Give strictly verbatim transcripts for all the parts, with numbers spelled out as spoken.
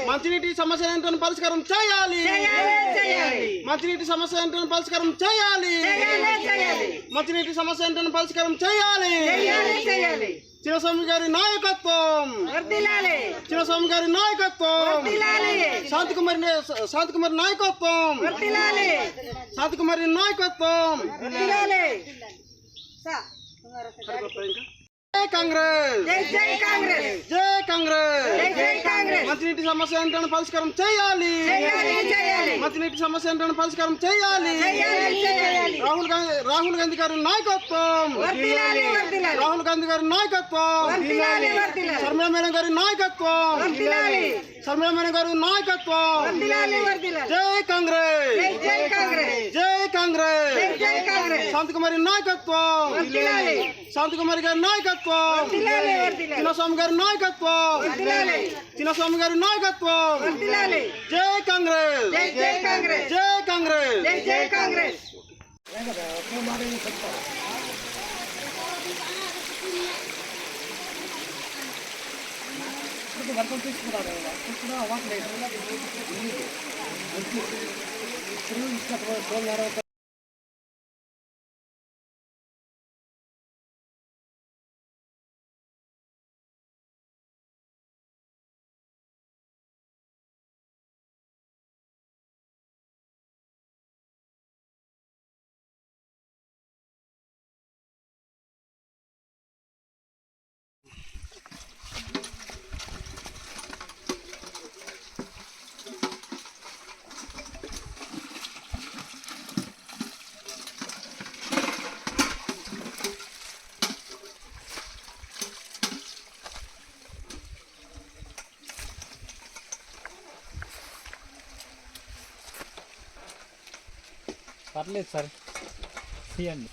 మంచినీటి సమస్య ఏంటో పరిష్కారం చేయాలి మంచినీటి సమస్య ఏంటో పరిష్కారం చేయాలి మంచినీటి సమస్య ఏంటో పరిష్కారం చేయాలి చిన్నస్వామి గారి నాయకత్వం చిన్నస్వామి గారి నాయకత్వం శాంతికుమారి శాంతికుమారి నాయకత్వం శాంతికుమారి నాయకత్వం జై కాంగ్రెస్ జై కాంగ్రెస్ జై కాంగ్రెస్ మంచినీటి సమస్య ఏంటో పరిష్కారం చేయాలి మంచినీటి సమస్య ఏంటో పరిష్కారం చేయాలి రాహుల్ గాంధీ రాహుల్ గాంధీ గారి నాయకత్వం రాహుల్ గాంధీ గారి నాయకత్వం శర్మిలా మేడం గారి నాయకత్వం శర్మిలా మేడం గారి నాయకత్వం జై కాంగ్రెస్ జై కాంగ్రెస్ శాంతికుమారి నాయకత్వం శాంతికుమారి గారి నాయకత్వం చిన్నస్వామి గారి నాయకత్వం చిన్నస్వామి గారి నాయకత్వం జై కాంగ్రెస్ జై కాంగ్రెస్ జై కాంగ్రెస్ వర్గం తీసుకున్నారు పర్లేదు సార్ తీయండి.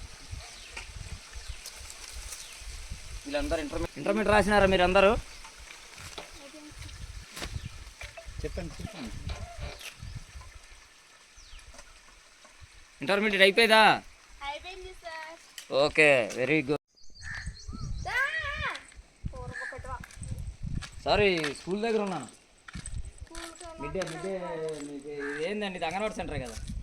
వీళ్ళందరూ ఇంటర్మీడియట్ ఇంటర్మీడియట్ రాసినారా మీరు అందరూ? చెప్పండి చెప్పండి. ఇంటర్మీడియట్ అయిపోయిందా? అయిపోయింది sir. Okay, very good. Sorry, school దగ్గర ఉన్నాను. మిడ్ డే మిడ్ డే మీకు ఏందండి, ఇది అంగన్వాడీ సెంటర్ కదా?